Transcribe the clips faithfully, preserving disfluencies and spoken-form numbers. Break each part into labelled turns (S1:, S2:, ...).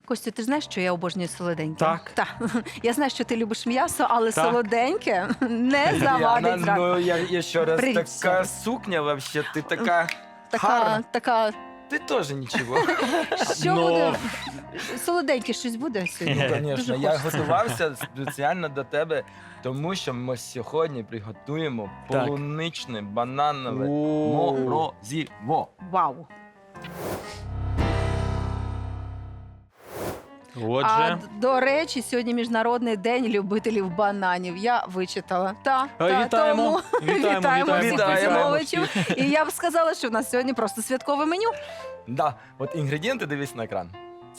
S1: Костю, ти ж знаєш, що я обожнюю солоденьке?
S2: Так.
S1: Так. Я знаю, що ти любиш м'ясо, але
S2: Так.
S1: солоденьке не завадить
S3: Яна,
S1: зранку.
S3: ну я еще раз,
S1: Привет,
S3: такая
S1: Сара.
S3: сукня вообще, ты такая
S1: Така,
S3: гарна.
S1: така,
S3: Ты тоже ничего.
S1: що
S2: Ну.
S1: буде? Солоденьке щось буде сьогодні?
S3: Ну, звісно,
S1: Дуже
S3: я
S1: хочеться.
S3: готувався спеціально до тебе, тому що ми сьогодні приготуємо
S2: Так.
S3: полуничне бананове
S2: О.
S3: морозиво.
S1: Вау. А,
S2: Отже,
S1: д- до речі, сьогодні Міжнародний день любителів бананів. Я вичитала. Та,
S2: А,
S1: та,
S2: вітаємо.
S1: тому
S2: Вітаємо,
S1: вітаємо всіх
S3: вітаємо.
S1: поціновувачів. І я б сказала, що в нас сьогодні просто святкове меню.
S3: Да, от інгредієнти дивись на екран.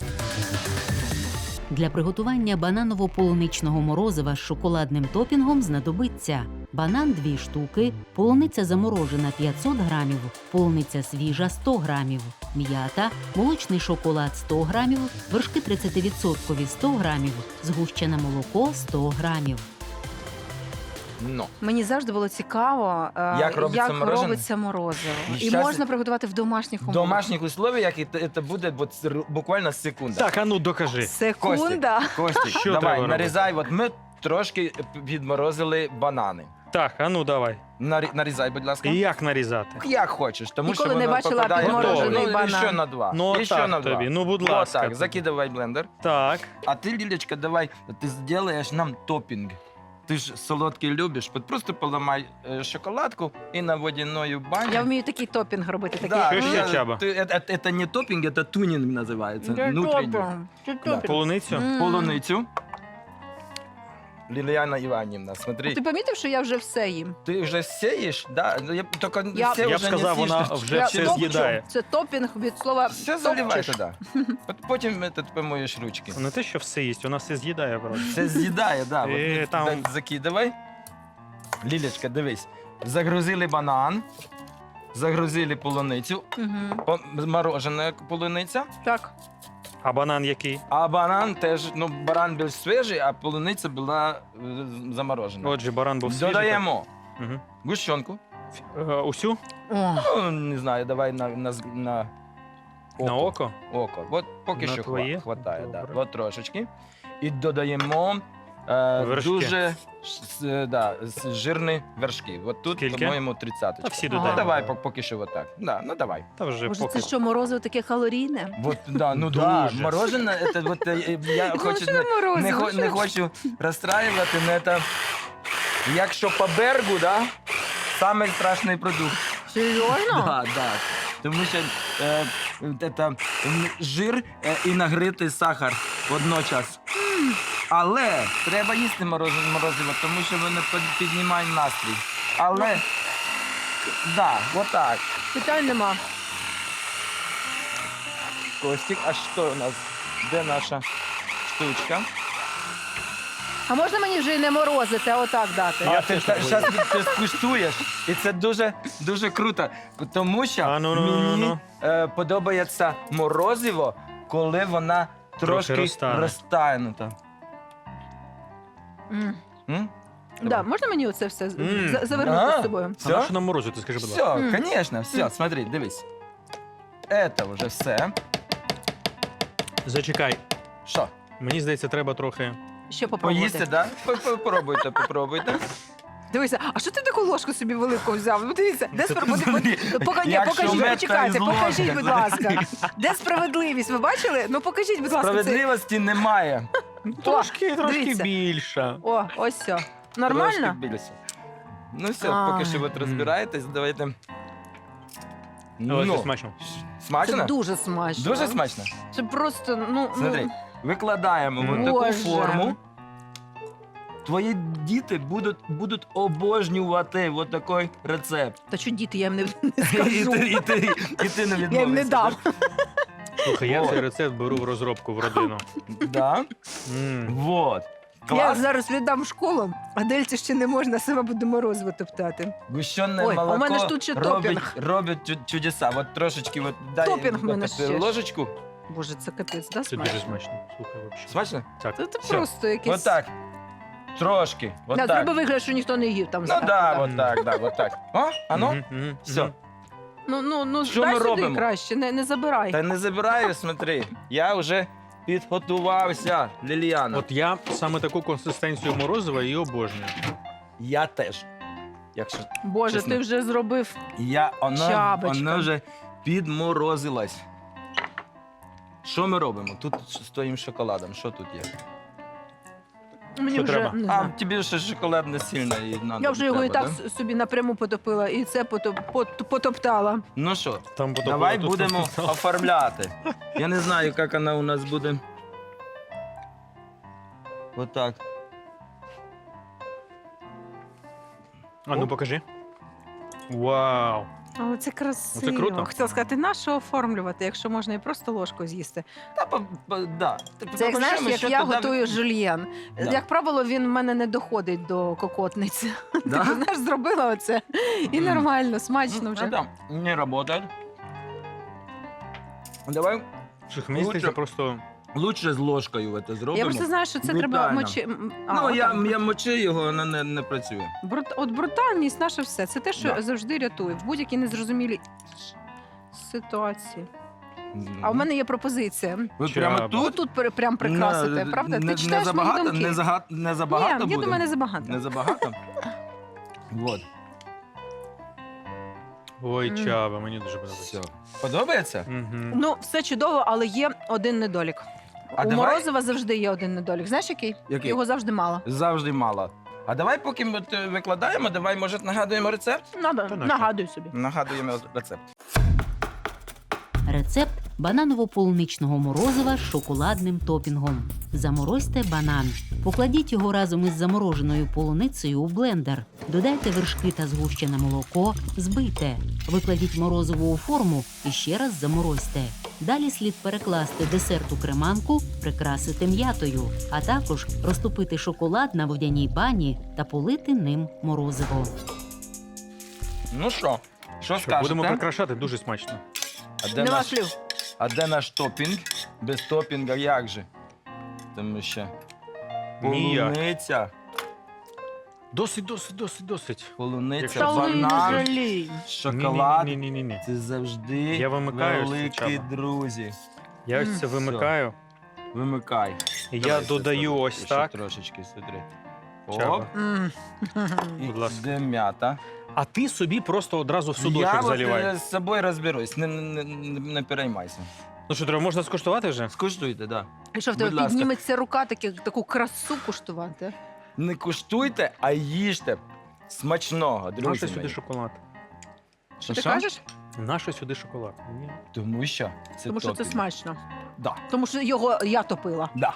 S4: Для приготування бананово-полуничного морозива з шоколадним топінгом знадобиться банан дві штуки, полуниця заморожена п'ятсот грамів, полуниця свіжа сто грамів, м'ята, молочний шоколад сто грамів, вершки тридцять відсотків сто грамів, згущене молоко сто грамів.
S3: Ну,
S1: Мені завжди було цікаво, е,
S3: Як робиться
S1: як
S3: морожене?
S1: робиться морозиво.
S3: І
S1: І
S3: щас-
S1: можна приготувати в домашніх
S3: в
S1: умовах.
S3: домашніх условиях і це буде от р- буквально секунда.
S2: так, а ну докажи.
S1: Секунда.
S3: Костік,
S2: Що
S3: давай,
S2: треба
S3: нарізай. От ми трошки відморозили банани.
S2: Так, а ну давай.
S3: Нарі- Нарізай, будь ласка.
S2: І як нарізати?
S3: Як хочеш, тому
S1: Ніколи
S3: що
S1: не
S3: воно
S1: бачила
S3: попадає
S2: підморожений
S3: ну,
S1: банан.
S3: ще на два.
S2: Ну,
S3: ще
S2: так
S3: на два.
S2: тобі, ну, будь
S3: Вот
S2: ласка.
S3: так, закидывай в блендер.
S2: Так.
S3: А ти, Лілечка, давай, ти зробиш нам топінг. Ти ж солодкий любиш, от просто поламай е, шоколадку і на водяною бані.
S1: Я вмію такий топінг робити. Такий.
S3: Да,
S2: Що ще,
S3: я-
S2: Чаба?
S3: ти- это, это не топінг, это тунінг називається.
S1: Це
S3: Внутрішній.
S1: топінг. Це
S3: Да.
S1: топінг.
S2: Полуницю?
S1: М.
S3: Полуницю. Ліліяна Іванівна,
S1: А
S3: смотри,
S1: ти помітив, що я вже все їм?
S3: ти вже сієш? Да? Я, тільки
S1: Я-
S3: все
S2: Я б
S3: вже
S2: сказав,
S3: не
S2: вона
S3: сієш.
S2: вже
S1: Я
S2: все
S1: топчу.
S2: з'їдає.
S1: Це топінг від слова
S3: Все заливай
S1: топчеш.
S3: туди. От потім ти помоєш ручки.
S2: Не те, що все їсть, вона все з'їдає просто.
S3: Це з'їдає, да. От
S2: Е,
S3: ти
S2: там-
S3: так закидавай. Лілечка, дивись. Загрузили банан, загрузили полуницю,
S1: Мгм.
S3: по- морожена полуниця,
S1: Так.
S2: А банан який?
S3: а банан теж, ну, баран більш свіжий, а полуниця була е, заморожена.
S2: Отже, баран був свіжий.
S3: Додаємо
S2: так. Мгм.
S3: гущонку.
S2: Е, Усю?
S1: О,
S3: Ну, не знаю, давай на, на, з- на
S2: На око?
S3: око. От поки
S2: На
S3: що
S2: твоє?
S3: хва- хватає, да.
S2: Добре.
S3: От трошечки. І додаємо е,
S2: Вершки.
S3: дуже ш- с- да, с- жирні вершки. От тут,
S2: Скільки?
S3: по-моєму, тридцять.
S2: Та всі
S1: Ага.
S3: Ну,
S2: додаємо.
S3: давай по- поки що отак. Да, ну давай.
S2: Та вже
S1: Боже,
S2: поки.
S1: це що, морозиво таке калорійне?
S3: Вот, да, ну да,
S2: Дуже.
S3: мороженое, это вот э, я
S1: Ну,
S3: хочу,
S1: що
S3: не,
S1: морозиво?
S3: не, хо-
S1: Що?
S3: не хочу розстраювати, але це, якщо по бергу, да, самий страшний продукт.
S1: Серйозно?
S3: Да, да. Тому що е, это, м, жир е, і нагритий сахар водночас. Але треба їсти мороз- морозиво, тому що воно під- піднімає настрій. Але, да, отак.
S1: Питань нема.
S3: Костік, а що у нас? Де наша штучка?
S1: А можна мені вже і не морозити, а отак дати?
S3: А
S2: Я
S3: ти
S2: теж так
S3: зараз ти скуштуєш, і це дуже дуже круто, тому що
S2: А, ну, ну, ну,
S3: мені
S2: ну.
S3: е, подобається морозиво, коли вона трошки
S2: розтане.
S3: розтанута.
S1: М.
S3: М?
S1: Да, можна мені оце все з-
S2: М.
S1: за- завернути
S3: А.
S1: з собою?
S2: А на
S3: Все?
S2: що нам морозити, скажи, будь ласка.
S3: Все,
S1: М.
S3: звісно, все,
S1: М.
S3: смотри, дивись. Це вже все.
S2: Зачекай.
S3: Що,
S2: Мені здається, треба трохи.
S1: Ще попробувати.
S3: поїсти, да? По- по- Попробуйте, попробуйте.
S1: Дивися, а що ти таку ложку собі велику взяв? Ну, дивіться, де
S2: Це
S1: спро...
S3: ти смотри,
S1: Пока... Ні,
S3: якщо
S1: покажіть,
S3: мед,
S1: почекайте,
S3: то із
S1: покажіть,
S3: ложки.
S1: будь ласка. Де справедливість? Ви бачили? Ну покажіть, будь ласка, це.
S3: Справедливості немає.
S2: Трошки, трошки
S1: дивіться.
S2: більше.
S1: О, ось все.
S3: Трошки
S1: Нормально?
S3: більше. Ну все,
S1: А.
S3: поки що ви розбираєтесь, давайте.
S2: Але
S3: Ну,
S2: це смачно.
S1: Це
S3: смачно?
S1: дуже смачно.
S3: Дуже смачно.
S1: Це просто, ну,
S3: Смотри,
S1: ну
S3: викладаємо в таку
S1: Боже.
S3: форму. Твої діти будуть, будуть обожнювати от такий рецепт.
S1: та що діти, я їм не, не
S3: І
S1: скажу.
S3: ти, і, ти, і ти не відмовишся.
S1: Я їм не дам.
S2: Слухай, я
S3: О.
S2: цей рецепт беру в розробку в родину.
S3: Да?
S2: М.
S3: Вот.
S1: Я
S3: Клас.
S1: зараз віддам в школу, а Дельці ще не можна, сама буде морозиво топтати.
S3: Гущене
S1: Ой, а у
S3: молоко
S1: мене ж тут ще
S3: робить,
S1: топінг.
S3: робить чу- чудеса. От трошечки от, дай
S1: Топінг в мене
S3: от,
S1: ще ж.
S3: ложечку.
S1: Боже, це капець, да,
S2: Це
S1: смачно?
S2: дуже смачно. Слухай, взагалі.
S3: Смачно?
S2: Так.
S1: Це, це
S3: Всё.
S1: просто якийсь...
S3: От так. Трошки. От
S1: Да,
S3: так.
S1: зроби вигляд, що ніхто не їв там.
S3: Ну
S1: зверху,
S3: да,
S1: да.
S3: от так, да, от так. О, а ну?
S2: Мгм, мгм,
S3: Все.
S2: мгм.
S1: Ну, ну, ну,
S3: Що
S1: дай
S3: ми
S1: сюди
S3: робимо?
S1: краще, не, не забирай.
S3: Та не забираю, смотри. Я вже підготувався, Ліліана.
S2: От я саме таку консистенцію морозива і обожнюю.
S3: Я теж. Якщо
S1: Боже,
S3: чесно.
S1: ти вже зробив.
S3: я, вона,
S1: Чабочка.
S3: вона вже підморозилась. Що ми робимо? Тут з твоїм шоколадом. Що тут є?
S1: Мені
S2: Що
S1: вже
S2: треба?
S1: не
S3: А
S1: знаю.
S3: тобі ще шоколад не сильно і надо.
S1: Я вже його і
S3: треба,
S1: так
S3: да?
S1: с- собі напряму потопила, і це потоп, пот- потоптала.
S3: Ну що,
S2: Там потім
S3: давай
S2: тут
S3: будемо
S2: тут-
S3: оформляти. Я не знаю, як вона у нас буде. Отак.
S2: А ну
S3: Оп.
S2: покажи. Вау!
S1: Але це красиво.
S2: Оце круто.
S1: Хотіла сказати, на що оформлювати, якщо можна і просто ложкою з'їсти.
S3: Та, по- по- да.
S1: Це як знаєш,
S3: Попишемо,
S1: як
S3: що
S1: я
S3: туди-
S1: готую жульєн.
S3: Да.
S1: Як правило, він в мене не доходить до кокотниці.
S3: Да?
S1: Ти знаєш, зробила оце і
S3: Мгм.
S1: нормально, смачно
S3: Ну,
S1: вже.
S3: это не работает. Давай
S2: Слухай, мені
S3: Лучше-
S2: здається, просто
S3: лучше з ложкою це зробимо.
S1: Я просто знаю, що це треба
S3: Брутально.
S1: мочи. м, а,
S3: Ну, я,
S1: отак.
S3: я мочи його, воно не, не працює.
S1: Брут... От брутальність наше все. Це те, що
S3: Да.
S1: завжди рятує в будь-якій незрозумілій ситуації. А в мене є пропозиція.
S3: Ви
S2: Чаба.
S3: прямо тут?
S1: Тут пер- прям прикрасити,
S3: Не-
S1: правда?
S3: Не,
S1: Ти
S3: не
S1: читаєш мої
S3: забагато,
S1: думки.
S3: не, зага, не забагато
S1: Ні,
S3: буде?
S1: я думаю, не забагато.
S3: Не забагато? Вот.
S2: ой,
S1: М.
S2: чаба, мені дуже подобається.
S3: Все. Подобається?
S2: Мгм.
S1: Ну, все чудово, але є один недолік.
S3: А
S1: У
S3: давай-
S1: Морозова завжди є один недолік. Знаєш, який?
S3: Який?
S1: Його завжди мало.
S3: Завжди мало. А давай, поки ми от, е, викладаємо, давай, може, нагадуємо рецепт?
S1: Надо,
S2: Та нащо?
S1: нагадуй собі.
S3: Нагадуємо рецепт.
S4: Рецепт бананово-полуничного морозива з шоколадним топінгом. Заморозьте банан. Покладіть його разом із замороженою полуницею у блендер. Додайте вершки та згущене молоко, збийте. Викладіть морозиво у форму і ще раз заморозьте. Далі слід перекласти десерт у креманку, прикрасити м'ятою, а також розтопити шоколад на водяній бані та полити ним морозиво.
S3: Ну що, що
S2: Що,
S3: скажете?
S2: будемо прикрашати, дуже смачно.
S3: А де,
S1: Нема
S3: наш,
S1: слів.
S3: а де наш топінг? Без топінга як же? Тому що
S2: Ніяк.
S3: полуниця,
S2: Досить, досить, досить, досить.
S3: полуниця,
S2: Якщо
S1: Та ви не
S3: банан,
S1: жалій.
S3: шоколад.
S2: Ні, ні, ні, ні.
S3: Це завжди
S2: Я вимикаю ось це,
S3: великі
S2: Чаба.
S3: друзі.
S2: Я ось це
S1: М.
S2: вимикаю.
S3: Вимикай.
S2: І
S3: Давай
S2: я
S3: ще
S2: додаю
S3: сюди,
S2: ось
S3: ще
S2: так.
S3: Трошечки сюди.
S2: Чаба.
S3: Оп.
S1: М.
S3: І
S2: Будь ласка.
S3: де м'ята.
S2: А ти собі просто одразу в
S3: Я
S2: судочок
S3: от,
S2: заливай.
S3: е, з собою розберусь, не, не, не, не переймайся.
S2: Ну що, треба, можна скуштувати вже?
S3: Скуштуйте, да.
S1: І що в
S3: Будь
S1: тебе
S3: ласка.
S1: підніметься рука такі, таку красу куштувати?
S3: Не куштуйте, а їжте. Смачного, друзі
S2: Нащо
S3: мої.
S2: сюди шоколад?
S1: Що ти
S3: Що?
S1: кажеш?
S2: Нащо сюди шоколад? Ні.
S3: Тому що це
S1: Тому що це
S3: топінг.
S1: смачно.
S3: Да,
S1: Тому що його я топила.
S3: да.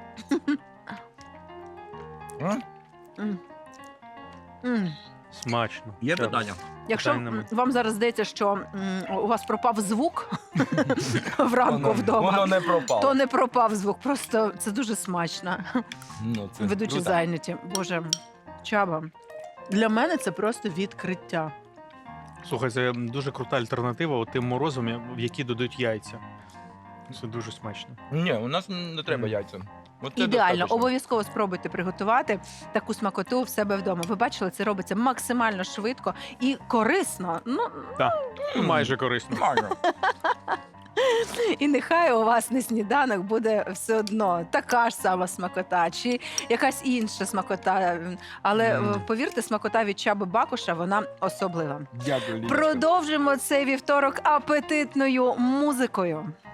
S3: М?
S1: М. М.
S2: Смачно.
S3: Є
S2: Чаба.
S3: питання?
S1: Якщо
S2: Питань нема.
S1: м, вам зараз здається, що м, у вас пропав звук вранку
S3: Воно-
S1: вдома,
S3: Воно не пропало.
S1: то не пропав звук. Просто це дуже смачно.
S3: Ну, це
S1: Ведучі
S3: круто.
S1: зайняті. Боже, Чаба. Для мене це просто відкриття.
S2: Слухай, це дуже крута альтернатива от тим морозом, в які додають яйця. Це дуже смачно.
S3: Ні, у нас не треба
S2: Мгм.
S3: яйця. От це
S1: Ідеально,
S3: достатньо.
S1: обов'язково спробуйте приготувати таку смакоту в себе вдома. Ви бачили, це робиться максимально швидко і корисно. Ну
S2: Ну,
S3: М.
S2: майже корисно.
S3: Нормально.
S1: і нехай у вас на сніданок буде все одно така ж сама смакота, чи якась інша смакота. Але
S3: Мгм.
S1: е, повірте, смакота від Чаби Бакуша вона особлива.
S3: Дякую, Ліночка.
S1: Продовжимо цей вівторок апетитною музикою.